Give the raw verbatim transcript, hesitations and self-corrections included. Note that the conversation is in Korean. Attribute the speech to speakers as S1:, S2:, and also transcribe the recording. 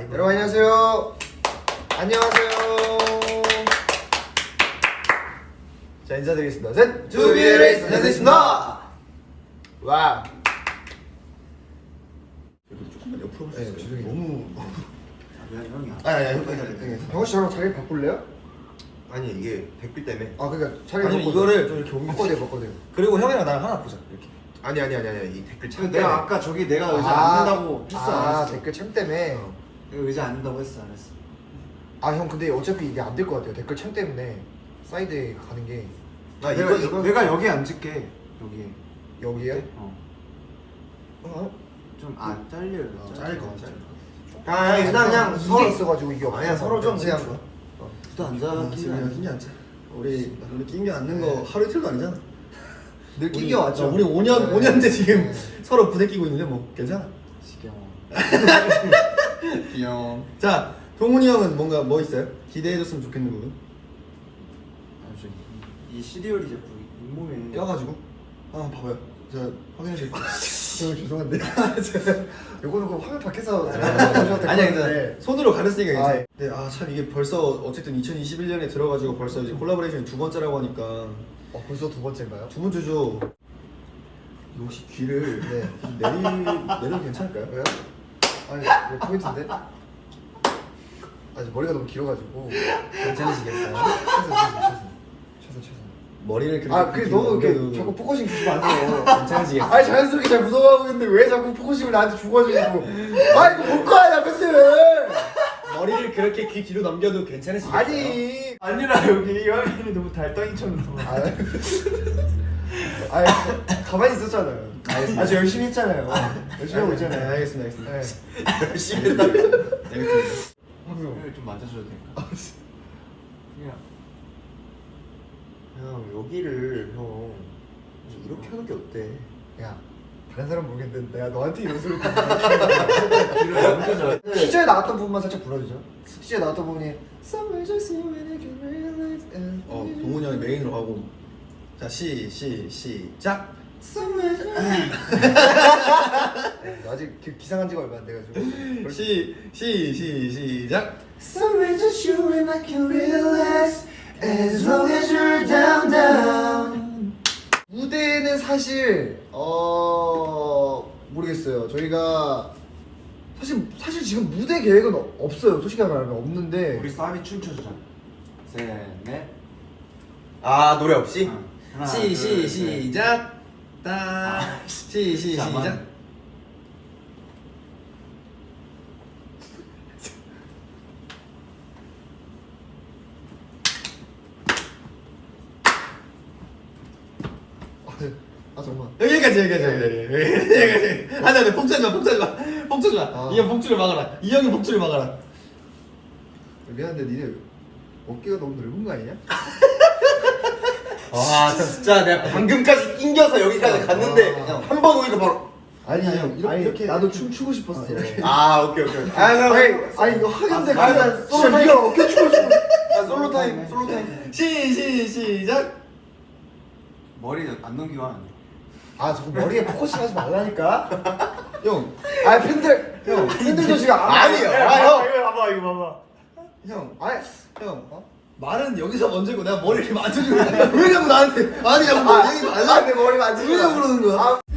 S1: 이거.
S2: 여러분 안녕하세요. 안녕하세요. 자 인사드리겠습니다. 셋.
S1: 투비의 레이스 인사드리겠습니다.
S2: 와.
S1: 조금만 옆으로
S2: 네,
S1: 보세요.
S2: 죄송해요.
S1: 너무.
S3: 왜 형이야?
S1: 아니 아니 형까지 할게.
S2: 병원 씨 저랑 자리 바꿀래요?
S1: 아니 이게 댓글 때문에.
S2: 아 그러니까 자리
S4: 아니 이거를 좀 이렇게 옮겨.
S2: 바꿔대요 바꿔대요.
S4: 그리고 형이랑 나랑 하나 보자 이렇게.
S1: 아니 아니 아니 아니 이 댓글 참.
S3: 내가 아까 저기 내가 의자
S2: 아,
S3: 앉는다고 했어 안
S2: 아
S3: 했어?
S2: 댓글 참 때문에.
S1: 어.
S3: 내가 의자 앉는다고 했어 안 했어?
S2: 아 형 근데 어차피 이게 안 될 것 같아요. 댓글 참 때문에 사이드에 가는 게
S1: 아
S3: 내가
S1: 이거 이거
S3: 내가 여기 앉을게 여기에.
S2: 여기에요?
S3: 어.
S2: 어?
S3: 좀안 잘려.
S1: 어, 잘릴 것 같아.
S3: 아
S1: 야, 그냥 그냥
S2: 이게
S1: 서로
S2: 있어가지고 이게 없어.
S1: 아니야 서로 좀 그냥.
S3: 또 앉아.
S4: 아, 지금 힘이 앉자. 우리 우리 낑겨 앉는 거 하루 이틀도 아니잖아.
S2: 늘
S4: 우리-
S2: 끼겨 왔죠.
S4: 어, 우리 오 년
S2: 네.
S4: 오 년째 지금
S2: 네.
S4: 서로 부대끼고 있는데 뭐 괜찮아.
S3: 지겨워.
S4: 귀여워. 자 동훈이 형은 뭔가 뭐 있어요? 기대해줬으면 좋겠는 부분.
S3: 이 시리얼이 자꾸 잇몸에
S4: 껴가지고. 아 봐봐요. 제가 확인해 드릴게요.
S2: 저 죄송한데. 요거는 그 화면 밖에서
S4: 아니야 괜찮아. 손으로 가렸으니까 괜찮아.
S2: 아,
S4: 근데 아 참 이게 벌써 어쨌든 이천이십일 년에 들어가지고 벌써 이제 콜라보레이션이 두 번째라고 하니까
S2: 어 벌써 두 번째인가요?
S4: 두 번째죠. 이거 혹시 귀를
S2: 네.
S4: 내리 내려도 괜찮을까요?
S2: 왜요? 아니 왜 포인트인데? 아직 머리가 너무 길어가지고.
S4: 괜찮으시겠어요?
S2: 최선 최선 최선 최선 최선.
S4: 머리를 그렇게
S2: 아, 그 너무 이렇게
S4: 넘겨도
S2: 자꾸 포커싱 주시면 안 돼요.
S4: 괜찮으시겠어요?
S2: 아니 자연스럽게 잘 묻어가고 있는데 왜 자꾸 포커싱을 나한테 주가지고? 아 이거 볼 거야 나 근데.
S4: 머리를 그렇게 귀 뒤로 넘겨도 괜찮으시겠어요?
S2: 아니.
S3: 아니라 여기 화면이 너무 달덩이처럼 나와.
S2: 아, 아니 가만히 있었잖아요.
S4: 알겠습니다.
S2: 아주 열심히 했잖아요. 열심히 하고
S4: 네,
S2: 있잖아요.
S4: 알겠습니다 알겠습니다
S2: 네.
S4: 열심히 했다 알겠습니다.
S3: 형을 좀 만져줘도 될까? 그냥
S1: 형 여기를 형 이렇게 하는 게 어때?
S2: 야 다른 사람 모르겠는데 내가 너한테 이런 소리
S3: 만져줘.
S2: 티저에 나왔던 부분만 살짝 불러주죠. 티저에 나왔던 부분이 Somewhere just you and I can realize and
S4: 어 동훈이 형이 메인으로 가고 자 시 시 시작.
S2: Somewhere just 아직 그 기상한 지가 얼마 안 돼가지고
S4: 시 시 시 시작.
S2: Somewhere just you and I can realize as long as you're down down. 무대는 사실 어 모르겠어요. 저희가 사실 사실 지금 무대 계획은 어- 없어요. 솔직히 말하면 없는데
S3: 우리 싸움이 춤춰주자. 셋, 넷.
S1: 아 노래 없이?
S3: 응. 하나,
S4: 시
S3: 둘,
S4: 시
S3: 셋.
S4: 시작.
S3: 아,
S4: 따시 시
S3: 잠깐만.
S4: 시작.
S2: 아 정말
S4: 여기까지 여기까지 여기까지 여기까지. 안돼 안돼 폭주하지 마 폭주하지 마 폭주하지 마.
S2: 아.
S4: 이 형 폭주를 막아라. 이 형이 폭주를 막아라.
S2: 미안한데 니네 어깨가 너무 넓은 거 아니냐?
S1: 아 진짜 내가 방금까지 낑겨서 여기까지 갔는데
S2: 아.
S1: 한 번 오니까 바로.
S2: 아니
S4: 아니, 형, 이렇게-
S2: 아니
S4: 이렇게-
S2: 나도 춤 추고 싶었어.
S1: 아 오케이 오케이 오케이.
S2: 아니 아니, 아니 이거 하는데
S3: 아,
S2: 그냥
S3: 아,
S2: 진짜 네가 어깨 추고 싶어.
S1: 아, 솔로 타임 솔로 타임.
S4: 시 시 시작.
S3: 머리 안 넘기고 하면 안 돼.
S2: 아 저거 머리에 포커싱 하지 말라니까.
S4: 형
S2: 아 팬들 형 팬들도 지금 안
S1: 아니요.
S2: 봐요.
S1: 아, 형.
S3: 이거 봐봐, 이거 봐봐.
S4: 형.
S2: 아니
S4: 형, 어? 말은 여기서 먼저고 내가 머리를 만져주고 왜 자꾸 나한테 아니 자꾸 뭐 얘기
S2: 아,
S4: 말라
S2: 내 머리 만지지
S4: 왜
S2: 마.
S4: 자꾸 그러는 거야?
S2: 아,